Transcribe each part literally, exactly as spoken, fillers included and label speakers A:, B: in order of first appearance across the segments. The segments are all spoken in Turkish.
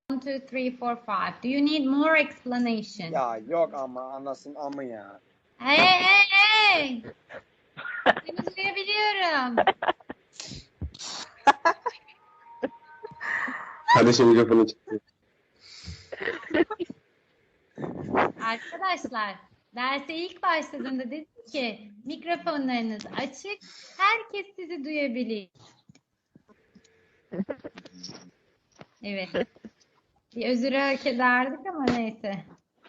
A: One, two, three, four, five. Do you need more explanation?
B: Ya yok ama anlasın ama ya.
A: Hey hey hey! Seni duyabiliyorum.
C: Kardeşim mikrofonu çıktı.
A: Arkadaşlar, derse ilk başladığında dedim ki mikrofonlarınız açık, herkes sizi duyabilir. Evet. Bir özür hak ederdik ama neyse.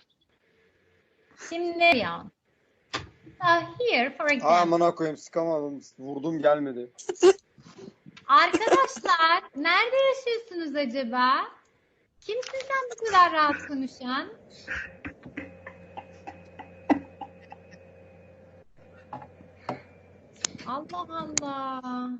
A: Şimdi ya. So here for example.
B: Amına koyayım sıkamadım. Vurdum gelmedi.
A: Arkadaşlar, nerede yaşıyorsunuz acaba? Kimsin sen bu kadar rahat konuşan? Allah Allah.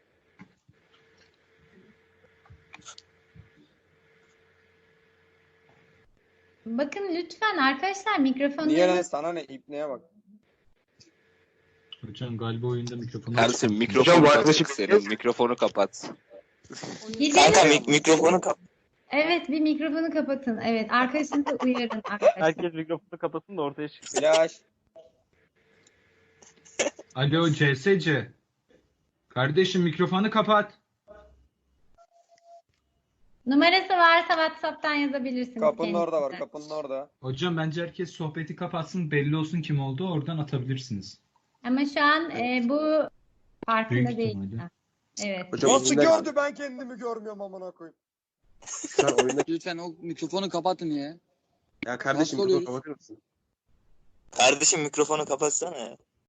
A: Bakın lütfen arkadaşlar
B: Niye lan
A: mikrofonlarınız
B: sana ne ipneye bak.
D: Hocam galiba oyunda mikrofonu
E: Ersin
C: Hocam,
E: mikrofonu
C: bu
E: kapat
C: yaklaşık-
E: senin. Mikrofonu kapat.
F: Kanka
A: gidelim.
F: mik- mikrofonu kap.
A: Evet bir mikrofonu kapatın. Evet arkadaşınızı uyarın arkadaşlar.
G: Herkes mikrofonu kapatsın da ortaya çıksın.
B: Flash.
D: Alo C S C. Kardeşim mikrofonu kapat.
A: Numarası varsa WhatsApp'tan yazabilirsiniz.
B: Kapının orada var
A: kendisine.
B: kapının orada.
D: Hocam bence herkes sohbeti kapatsın, belli olsun kim olduğu, oradan atabilirsiniz.
A: Ama şu an e, bu farkında
D: Büyük
A: değil.
D: ihtimalle.
A: Ha, evet.
C: Hocam
B: Nasıl
C: oyunda-
B: gördü ben kendimi görmüyorum amına koyayım.
C: Şu an oyundaki...
F: Lütfen o mikrofonu kapatın ya.
C: Ya kardeşim
F: Nasıl
C: mikrofonu
F: oluyoruz?
C: kapatır mısın?
F: Kardeşim mikrofonu kapatsana ya.